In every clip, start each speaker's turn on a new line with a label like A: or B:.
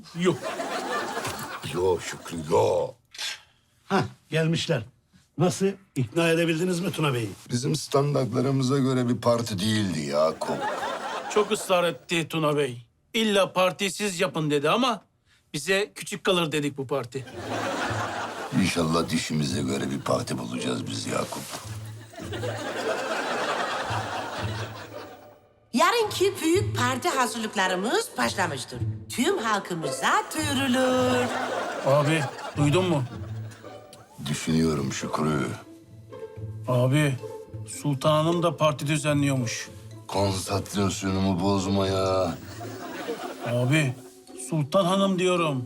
A: Yok.
B: Yo Şükrü yo.
C: Hah, gelmişler. Nasıl? İkna edebildiniz mi Tuna Bey'i?
B: Bizim standartlarımıza göre bir parti değildi Yakup.
A: Çok ısrar etti Tuna Bey. İlla partiyi siz yapın dedi ama bize küçük kalır dedik bu parti.
B: İnşallah dişimize göre bir parti bulacağız biz Yakup.
D: Yarınki büyük parti hazırlıklarımız başlamıştır. Tüm halkımıza duyurulur.
A: Abi duydun mu?
B: Düşünüyorum Şükrü.
A: Abi Sultan Hanım da parti düzenliyormuş.
B: Konsantrasyonumu bozma ya.
A: Abi Sultan Hanım diyorum.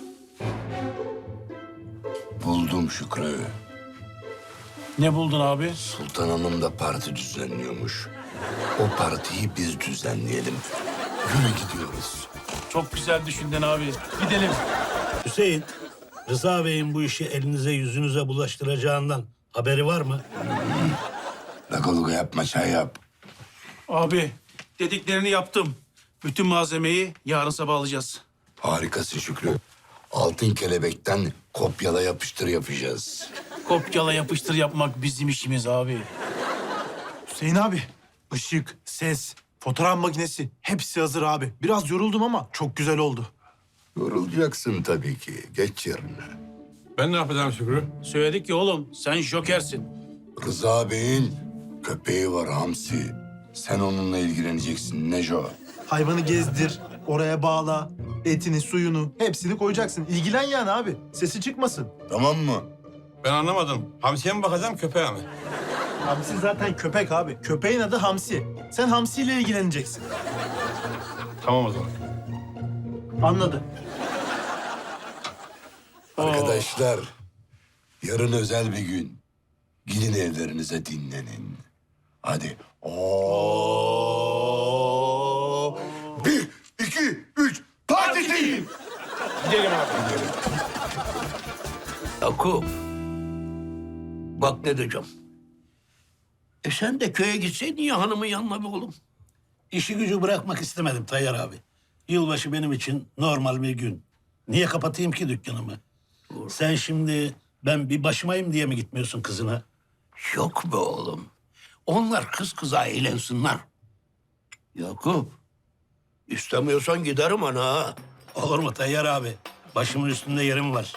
B: Buldum Şükrü.
A: Ne buldun abi?
B: Sultan Hanım da parti düzenliyormuş. O partiyi biz düzenleyelim. Yürü gidiyoruz.
A: Çok güzel düşündün abi. Gidelim.
C: Hüseyin, Rıza Bey'in bu işi elinize yüzünüze bulaştıracağından haberi var mı?
B: Lagaluga yapma, çay yap.
A: Abi dediklerini yaptım. Bütün malzemeyi yarın sabah alacağız.
B: Harikasın Şükrü. Altın kelebekten kopyala yapıştır yapacağız.
A: Kopyala yapıştır yapmak bizim işimiz abi.
E: Hüseyin abi, ışık, ses, fotoğraf makinesi hepsi hazır abi. Biraz yoruldum ama çok güzel oldu.
B: Yorulacaksın tabii ki. Geç yerine.
F: Ben ne yapacağım Şükrü?
A: Söyledik ya oğlum sen jokersin.
B: Rıza Bey'in köpeği var Hamsi. Sen onunla ilgileneceksin Neco.
E: Hayvanı gezdir, oraya bağla, etini, suyunu hepsini koyacaksın. İlgilen yani abi, sesi çıkmasın.
B: Tamam mı?
F: Ben anlamadım. Hamsiye mi bakacağım köpeğe mi?
E: Hamsi zaten köpek abi. Köpeğin adı Hamsi. Sen Hamsi ile ilgileneceksin.
F: Tamam o zaman.
E: Anladı.
B: Arkadaşlar, yarın özel bir gün. Gidin evlerinize dinlenin. Hadi. Oo. 1, 2, 3, parti değil.
A: Gidelim abi.
G: Yakup. Bak ne diyeceğim. Sen de köye gitseydin ya hanımın yanına bir oğlum.
C: İşi gücü bırakmak istemedim Tayyar abi. Yılbaşı benim için normal bir gün. Niye kapatayım ki dükkanımı? Sen şimdi ben bir başımayım diye mi gitmiyorsun kızına?
G: Yok be oğlum. Onlar kız kıza eğlensinler. Yakup. İstemiyorsan giderim ana.
C: Olur mu Tayyar abi? Başımın üstünde yerim var.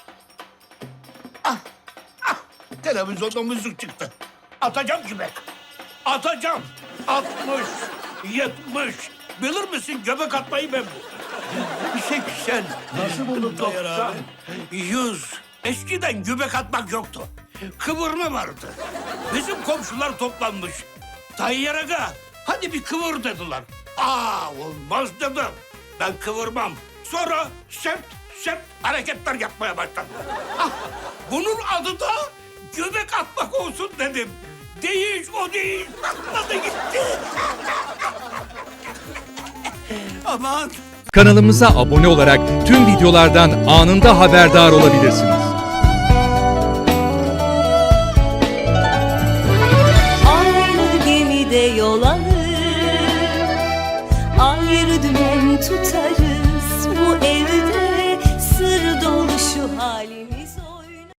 G: Televizyonda müzik çıktı. Atacağım göbek. Atacağım. 60, 70. Bilir misin göbek atmayı ben bu. 80.
C: Nasıl buldun Tayyar abi?
G: 100. Eskiden göbek atmak yoktu. Kıvırma vardı. Bizim komşular toplanmış. Tayyar Aga, hadi bir kıvır dediler. Olmaz dedim. Ben kıvırmam. Sonra semt hareketler yapmaya başladım. Bunun adı da göbek atmak olsun dedim. Değil, o değil. Atladı gitti. Aman.
H: Kanalımıza abone olarak tüm videolardan anında haberdar olabilirsiniz.